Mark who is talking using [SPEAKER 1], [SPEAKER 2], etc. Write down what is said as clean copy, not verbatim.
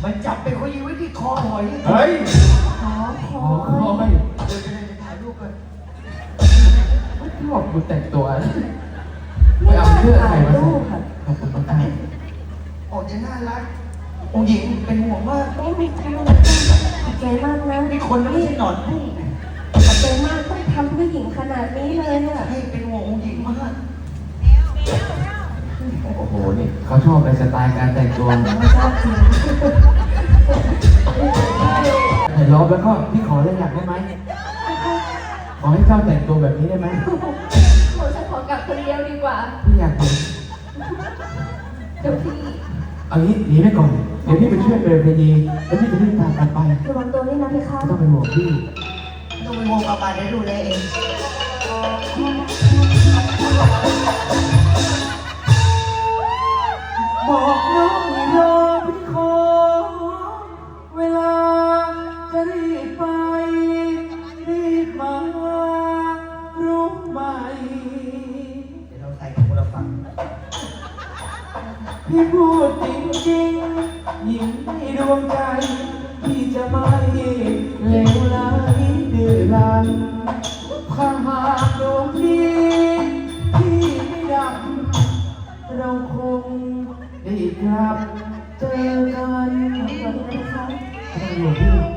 [SPEAKER 1] มันจับไปเขายิงไว้ที่คอหอย
[SPEAKER 2] เฮ้ย
[SPEAKER 3] ขอ
[SPEAKER 2] ขอคอย
[SPEAKER 1] เดี๋ยวจะได้ถ่ายรูปกัน
[SPEAKER 2] ชอบกูแต่งตัวไปเอาเสื้อใครมาใส่ขอบคุณมาก
[SPEAKER 1] ออกจะน่ารักองค์หญิงเป็นห่วงมาก
[SPEAKER 3] ไม่มีใครขอบใจมากนะ
[SPEAKER 1] นี่คนไม่ใช่หนอนผู้
[SPEAKER 3] ขอบใจมากต้องทำเพื่อหญิงขนาดนี้เลยอ่ะ
[SPEAKER 1] ให้เป็นห่วงองค์หญิงมาก
[SPEAKER 2] โอ้โหนี่เขาชอบในสไตล์การแต่งตัว
[SPEAKER 3] ไม่ชอบจริง
[SPEAKER 2] ถ่ายรอบแล้วก็พี่ขอเรื่องอยากได้ไหมขอให้เจ้าแต่งตัวแบบนี้ได้ไหม
[SPEAKER 3] หนูจะขอกลับคนเดียวดีกว่า
[SPEAKER 2] พี่อยากเห็น
[SPEAKER 3] เดี๋ยวพี่
[SPEAKER 2] เอางี้หนีไปก่อนเดี๋ยวพี่ไปช่วยเบลเพยีแล้วพี่จะรีบตามกันไประ
[SPEAKER 3] วังตัวด้วยนะพี่คะ
[SPEAKER 2] ไม่ต้องเป็นห่วงพี่
[SPEAKER 1] ต้องไปห่วงอาบาได้ดูแลเอง
[SPEAKER 2] บอกน้องให้รอพี่ขอเวลาจะรีบไปรีบมารู้ไหม
[SPEAKER 1] เดี๋ยวเราใส่กับคนละฝั่ง
[SPEAKER 2] พี่พูดจริงๆหญิงในดวงใจพี่จะไม่เลวไหลดื้อรั้นถ้าหากดวงนี้พี่ไม่ดับเราคงได้กลับเจอกัน
[SPEAKER 3] ขอบคุณนะคะ
[SPEAKER 2] ไม่ต้องห่วงพี่